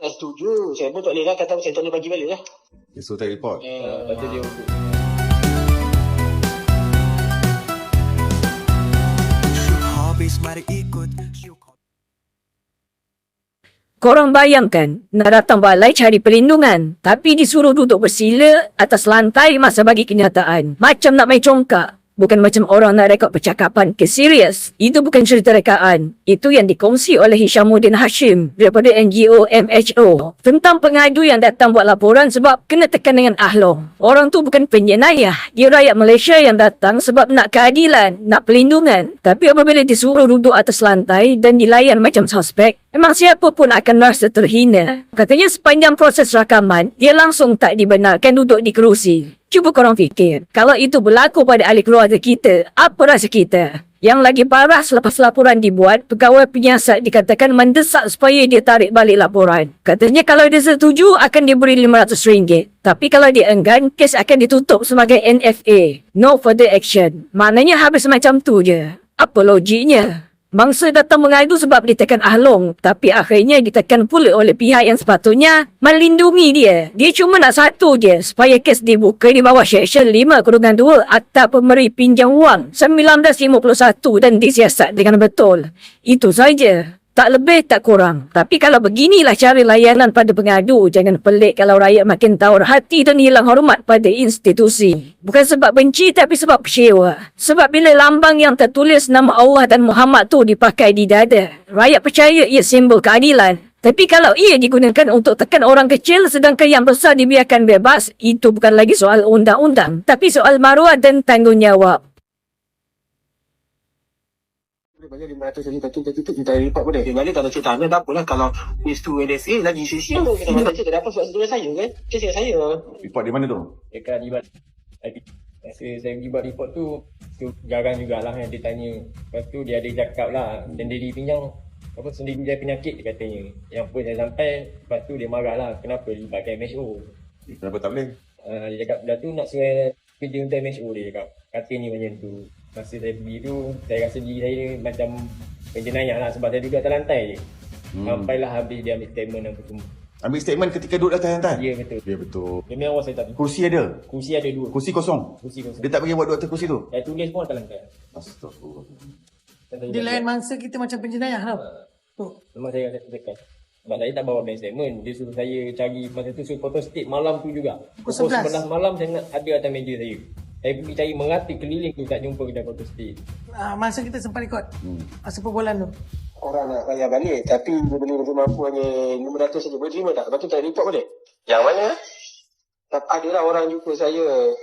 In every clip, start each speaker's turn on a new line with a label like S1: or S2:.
S1: Tak setuju. Saya pun tak boleh lah kata saya tak boleh bagi balik lah.
S2: So tak report.
S3: Lepas tu dia
S4: Korang bayangkan, nak datang balai cari perlindungan, tapi disuruh duduk bersila atas lantai masa bagi kenyataan. Macam nak main congkak. Bukan macam orang nak rekod percakapan ke serius. Itu bukan cerita rekaan. Itu yang dikongsi oleh Hishamuddin Hashim daripada NGO MHO tentang pengadu yang datang buat laporan sebab kena tekan dengan ahlong. Orang tu bukan penjenayah. Dia rakyat Malaysia yang datang sebab nak keadilan, nak perlindungan. Tapi apabila disuruh duduk atas lantai dan dilayan macam suspek, memang siapa pun akan rasa terhina. Katanya sepanjang proses rakaman, dia langsung tak dibenarkan duduk di kerusi. Cuba korang fikir, kalau itu berlaku pada ahli keluarga kita, apa rasa kita? Yang lagi parah selepas laporan dibuat, pegawai penyiasat dikatakan mendesak supaya dia tarik balik laporan. Katanya kalau dia setuju, akan diberi RM500. Tapi kalau dia enggan, kes akan ditutup sebagai NFA. No further action. Maknanya habis macam tu je. Apa logiknya? Mangsa datang mengadu sebab ditekan ahlong, tapi akhirnya ditekan pula oleh pihak yang sepatutnya melindungi dia. Dia cuma nak satu je, supaya kes dibuka di bawah Seksyen 5/2 Akta Pemberi Pinjam Wang 1951 dan disiasat dengan betul. Itu saja. Tak lebih, tak kurang. Tapi kalau beginilah cara layanan pada pengadu, jangan pelik kalau rakyat makin tawar hati dan hilang hormat pada institusi. Bukan sebab benci, tapi sebab kecewa. Sebab bila lambang yang tertulis nama Allah dan Muhammad tu dipakai di dada, rakyat percaya ia simbol keadilan. Tapi kalau ia digunakan untuk tekan orang kecil sedangkan yang besar dibiarkan bebas, itu bukan lagi soal undang-undang, tapi soal maruah dan tanggungjawab.
S1: Banyak 500 jadi tak kita report boleh. Dia balik kalau cerita tak apalah kalau is to NSA lagi sia-sia tu. Kita macam cerita dapat sebab setuju saya kan. Kes saya.
S2: Report di mana tu?
S3: dekat libat IP. Masa saya pergi buat report tu jarang jugalah yang dia tanya. Lepas tu dia ada cakap lah sendiri pinjam apa sendiri dia penyakit dia katanya. Yang pun saya sampai lepas tu dia marah lah kenapa libatkan MHO.
S2: Kenapa tak boleh?
S3: Dia cakap dah tu nak suruh kerja untuk MHO dia cakap. Katanya macam tu. Masa saya pergi tu, saya rasa diri saya macam penjenayah lah sebab saya duduk atas lantai je. Sampailah habis dia ambil statement apa semua.
S2: Ambil statement ketika duduk atas lantai?
S3: Ya betul.
S2: Ya betul.
S3: Demi Allah saya tak pergi.
S2: Kursi ada?
S3: Kursi ada 2.
S2: Kursi kosong?
S3: Kursi kosong.
S2: Dia tak bagi buat duduk atas kursi tu?
S3: Saya tulis pun atas lantai.
S2: Astagfirullah.
S5: Dia lain mangsa kita macam penjenayah tau. Tu.
S3: Memang saya rasa tekan. Sebab saya tak bawa bank statement. Dia suruh saya cari, masa tu suruh photo state malam tu juga.
S5: Pukul 11
S3: malam saya nak ada atas meja saya. Saya pergi cari merata keliling tu tak jumpa kedai photo state.
S5: Masa kita sempat rekod. Masa perbualan tu.
S1: Orang nak bayar balik tapi dia boleh mampu hanya 500 saja. Boleh terima tak? Lepas tu tak report boleh? Yang mana? Adalah orang jumpa saya.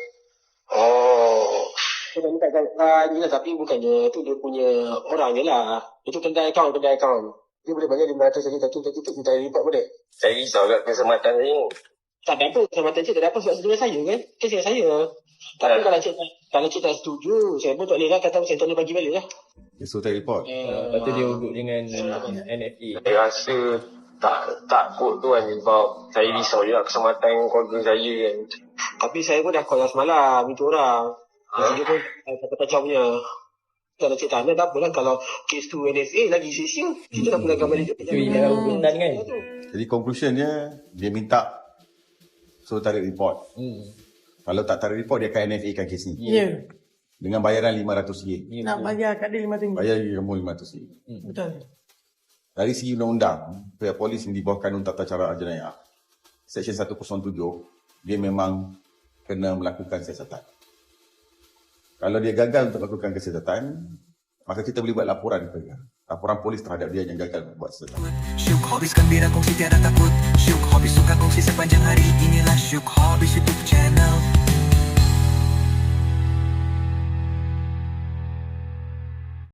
S1: Saya minta ni lah tapi bukannya tu dia punya orang je lah. Itu kedai akaun. Dia boleh bayar 500 saja tapi kita report boleh?
S6: Saya risau kat keselamatan saya ni.
S1: Tak ada apa. Keselamatan cik tak ada apa sebab setuju saya kan? Kes saya. Tapi kalau cik tak setuju, saya pun tak boleh lah kata saya tak boleh bagi balik lah.
S2: So tak report?
S3: Lepas tu dia duduk dengan NFA.
S6: Saya rasa takut tu kan sebab saya risau juga keselamatan keluarga saya kan.
S1: Tapi saya pun dah call semalam itu orang. Dia pun kata kacaunya. Kalau cik tak tak apalah kalau kes tu NSA lagi sia-sia. Kita dah pulangkan balik.
S3: Itu ialah hukuman kan.
S2: Jadi conclusionnya, dia minta so tarik report. Kalau tak tarik report, dia akan NFA kan kes ni.
S5: Ya.
S2: Dengan bayaran RM500.
S5: Nak bayar kat dia RM500.
S2: Bayar kamu RM500.
S5: Betul.
S2: Dari segi undang-undang, pihak polis yang di bawah kanun tata cara jenayah, Seksyen 107, dia memang kena melakukan siasatan. Kalau dia gagal untuk melakukan kesiasatan, maka kita boleh buat laporan laporan polis terhadap dia yang gagal buat siasatan.
S7: Syuk Hobbies gembira kongsi tiada takut. Syuk Hobbies suka kongsi sepanjang hari. Inilah Syuk Hobbies.